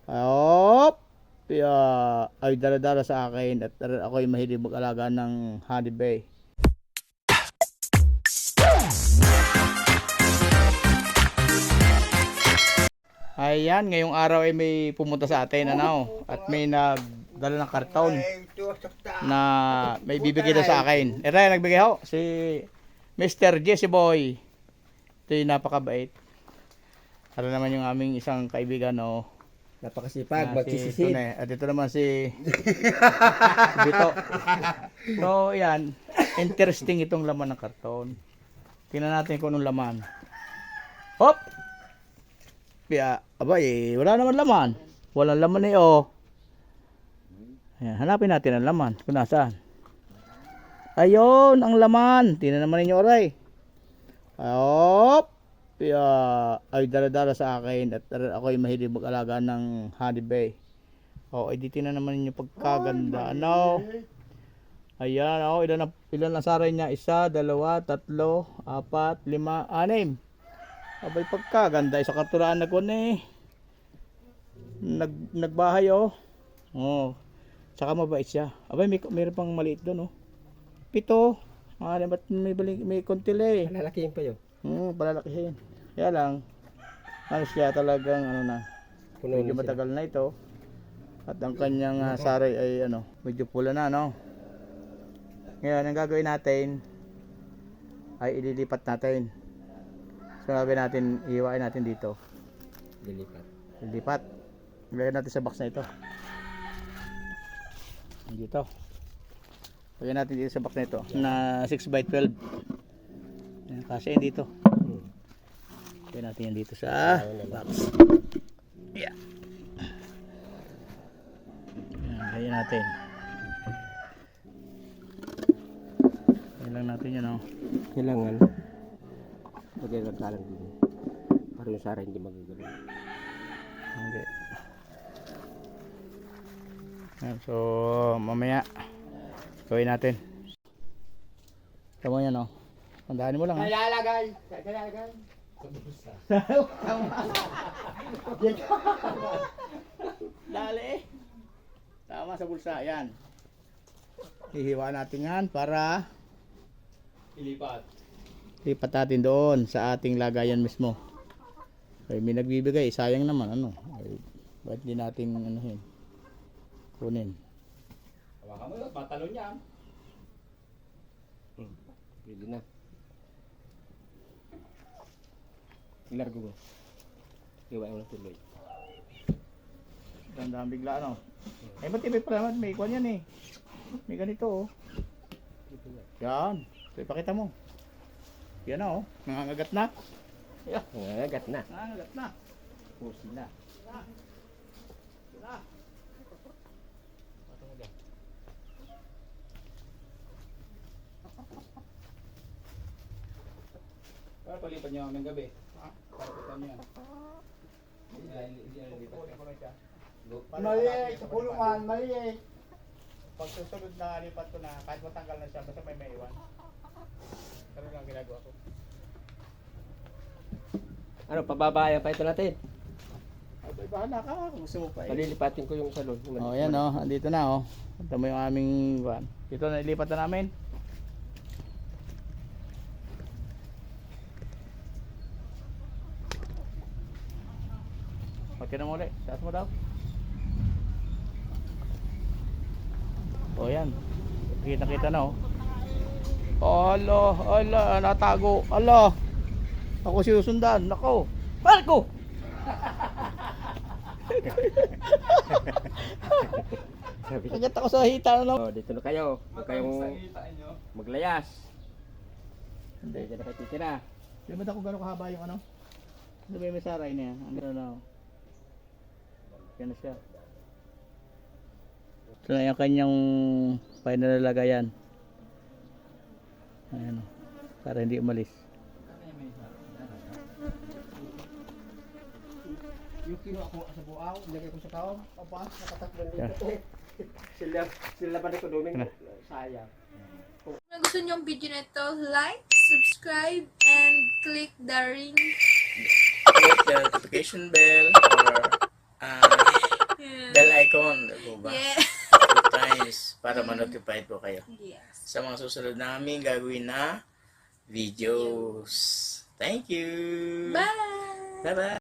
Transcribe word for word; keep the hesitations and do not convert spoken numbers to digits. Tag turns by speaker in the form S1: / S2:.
S1: Hop! Kaya ay dala-dala sa akin at ako'y mahilig mag-alaga ng honey bay. Ayan, ngayong araw ay may pumunta sa atin ano, at may nagdala ng karton na may bibigay daw sa akin. Ito yung nagbigay ho, si Mister Jesse Boy. Ito yung napakabait. Para naman yung aming isang kaibigan no.
S2: Napakasipag,
S1: Ah,
S2: magsisisid.
S1: Si Tune. At ito naman si Bito. So, yan. Interesting itong laman ng karton. Tingnan natin kung anong laman. Hop! Kaya, abay, wala naman laman. Walang laman eh, oh. Ayan, hanapin natin ang laman. Kung nasaan. Ayun, ang laman. Tingnan naman ninyo, oray. Hop! Kaya, ay dala-dala sa akin at ako'y mahilig mag-alaga ng honey bay. Oh, ay dito na naman ninyo pagkaganda. Ano? Ayan, oh, ilan na, ilan na saray niya? Isa, dalawa, tatlo, apat, lima, anim. Abay pagkaganda, isa karturaan na ko eh. Nag, nagbahay oh. Oh. Saka mabait siya. Abay may, mayroon pang maliit doon oh. Pito. Ah, ba't may, balik, may konti eh.
S2: Lalakihin pa yun.
S1: Hmm, palalakihin. Kaya lang, ano siya talagang ano na,
S2: Puno
S1: medyo
S2: na sila.
S1: matagal na ito. At ang kanyang uh, saray ay ano, medyo pula na no. Ngayon, ang gagawin natin ay ililipat natin. So gagawin natin, iiwain natin dito.
S2: Dilipat.
S1: Lilipat. Ilagay natin sa box na ito. Dito. Lagyan natin dito sa box na ito na six by twelve. Yan, kasi yan dito.
S2: Hmm.
S1: Lagyan natin yan dito sa box. Yeah. Yan, lagyan natin. Lagyan lang natin yan oh.
S2: Kailangan. Lagay lang kalang din. Para yung sara hindi magagalaw.
S1: Hindi. Yan, so mamaya gawin natin. Tama yan oh. Tandaan mo lang ha.
S2: Lalagay! Lalagay!
S1: Dali eh. Tama sa bulsa. Yan. Hihiwa natin yan para
S2: Ilipat.
S1: lipat natin doon sa ating lagayan mismo. Ay, may nagbibigay. Sayang naman. Ano? Ay, ba't di natin anuhin? Kunin.
S2: Hawakan mo yun. Patalon niya. Hmm. Pwede na. Ilargo mo. Iwain mo na tuloy.
S1: Gandang bigla ano. Eh, ba't ibig pala naman? May ikwan yan eh. May ganito oh. Yan. So, ipakita mo. Yan na oh. Nangangagat na. Yeah.
S2: Nangangagat na.
S1: Nangangagat na.
S2: Pusi na.
S1: Yan na.
S2: Patong mo dyan.
S1: Para palipat niyo ng gabi. Ha? Para kita niyo yan.
S2: Hindi na hindi na lipat.
S1: Kukunin ko lang siya.
S3: Mali, sa kulungan, mali.
S1: Pag susunod na lipat ko na, kahit matanggal na siya, basta may maiwan. Ganun lang ginagawa ko.
S2: Ano, pababayan pa ito natin.
S1: Ay, bahala ka kung gusto mo pa eh.
S2: Palilipatin ko yung salon.
S1: Oh, yan oh, andito na oh. Ito mo yung aming van. Dito na ilipat na namin. Pati na mo ulit. Taas mo daw. Oh, yan. Kita-kita na oh. Ala, ala, natago. Ala. Ako sinusundan. Nako. Marco!
S2: Sabi ko,
S1: Kagat ako sa hita na lang.
S2: oh, dito na kayo. Huwag kayong maglayas.
S1: Hindi.
S2: Dito na kayo titira.
S1: Limit ako gano'ng kahaba yung ano. Ano ba yung may saray na yan? Ano na oh. Yan na siya. Ito na yung kanyang final na lagayan. Ayan o. Para hindi umalis.
S3: Yung kinuha ko sa buaw, nilagay ko sa taon, papa, nakataklan
S1: Yeah.
S3: dito.
S2: Sila, sila ba na ko doon? Sayang.
S4: Kung gusto niyo ang video na ito, like, subscribe, and click the ring
S1: Click the notification bell or uh, po ba?
S4: Yeah.
S1: Two times para ma-notify po kayo
S4: Yes.
S1: sa mga susunod namin gagawin na videos. Thank you!
S4: Bye!
S1: Bye-bye!